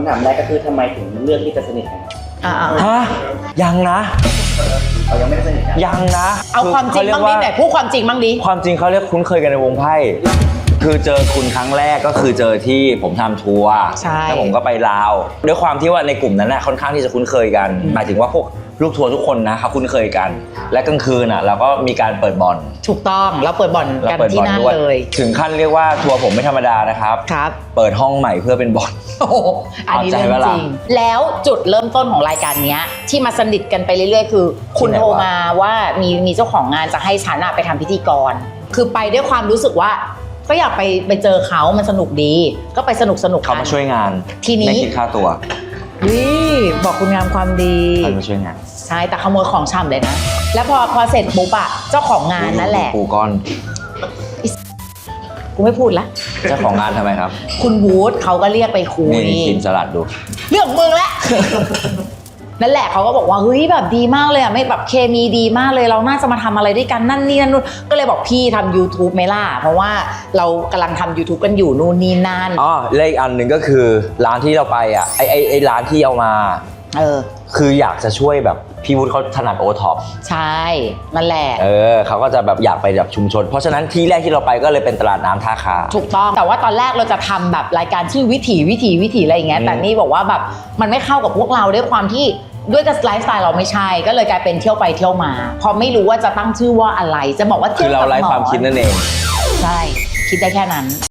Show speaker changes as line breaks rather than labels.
คำถามแรกก็คือทำไมถึงเลือกที่จะสนิทกัน
ฮะยังนะ
เรายังไม่ได้สนิทกัน
ยังนะ
เอาความจริงบ้างดิไหนพูดความจริงบ้างดิ
ความจริงเขาเรียกคุ้นเคยกันในวงไพ่คือเจอคุณครั้งแรกก็คือเจอที่ผมทำทัวร์แล้วผมก็ไปลาวด้วยความที่ว่าในกลุ่มนั้นน่ะค่อนข้างที่จะคุ้นเคยกันหมายถึงว่าพวกลูกทัวร์ทุกคนนะเขาคุ้นเคยกันและกลางคืนเราก็มีการเปิดบ่อน
ถูกต้องเราเปิดบ่อนกันที่นั่นเลย
ถึงขั้นเรียกว่าทัวร์ผมไม่ธรรมดานะครับเปิดห้องใหม่เพื่อเป็นบ่อน
อันนี้เรื่องจริงแล้วจุดเริ่มต้นของรายการนี้ที่มาสนิทกันไปเรื่อยๆคือคุณโทรมาว่ามีเจ้าของงานจะให้ฉันไปทำพิธีกรคือไปด้วยความรู้สึกว่าก็อยากไปเจอเขามันสนุกดีก็ไปสนุกกัน
เขามาช่วยงาน
ทีนี้
ไม่คิดค่าตัว
บอกคุณงามความดี
เขามาช่วยงาน
ใช่แต่ขโมยของช่ำเลยนะแล้วพอเสร็จปุ๊บเจ้าของงานนั่นแหละ
ปูก้อน
กูไม่พูดละ
เจ้าของงานทำไมครับ
คุณวูดเขาก็เรียกไปคุย
นี่กินสลัดดู
เรื่องมึงละ นั่นแหละเขาก็บอกว่าเฮ้ยแบบดีมากเลยไม่แบบเคมีดีมากเลยเราน่าจะมาทำอะไรด้วยกันนั่นนี่นั่นนู่นก็เลยบอกพี่ทำ YouTube ไหมล่ะเพราะว่าเรากำลังทำ YouTube กันอยู่นู่นนี่นั่น
และอีกอันหนึ่งก็คือร้านที่เราไปไอ้ร้านที่เอามาคืออยากจะช่วยแบบพี่วุฒิเขาถนัดโอท็อป
ใช่นั่นแหละ
เขาก็จะแบบอยากไปแบบชุมชนเพราะฉะนั้นที่แรกที่เราไปก็เลยเป็นตลาดน้ำท่าคา
ถูกต้องแต่ว่าตอนแรกเราจะทำแบบรายการชื่อวิถีอะไรอย่างเงี้ยแต่นี่บอกว่าแบบมันไม่เข้ากับพวกเราด้วยความที่ด้วยกับไลฟ์สไตล์เราไม่ใช่ก็เลยกลายเป็นเที่ยวไปเที่ยวมาพอไม่รู้ว่าจะตั้งชื่อว่าอะไรจะบอกว่า
คือเราไร้ความคิดนั่นเอง
ใช่คิดได้แค่นั้น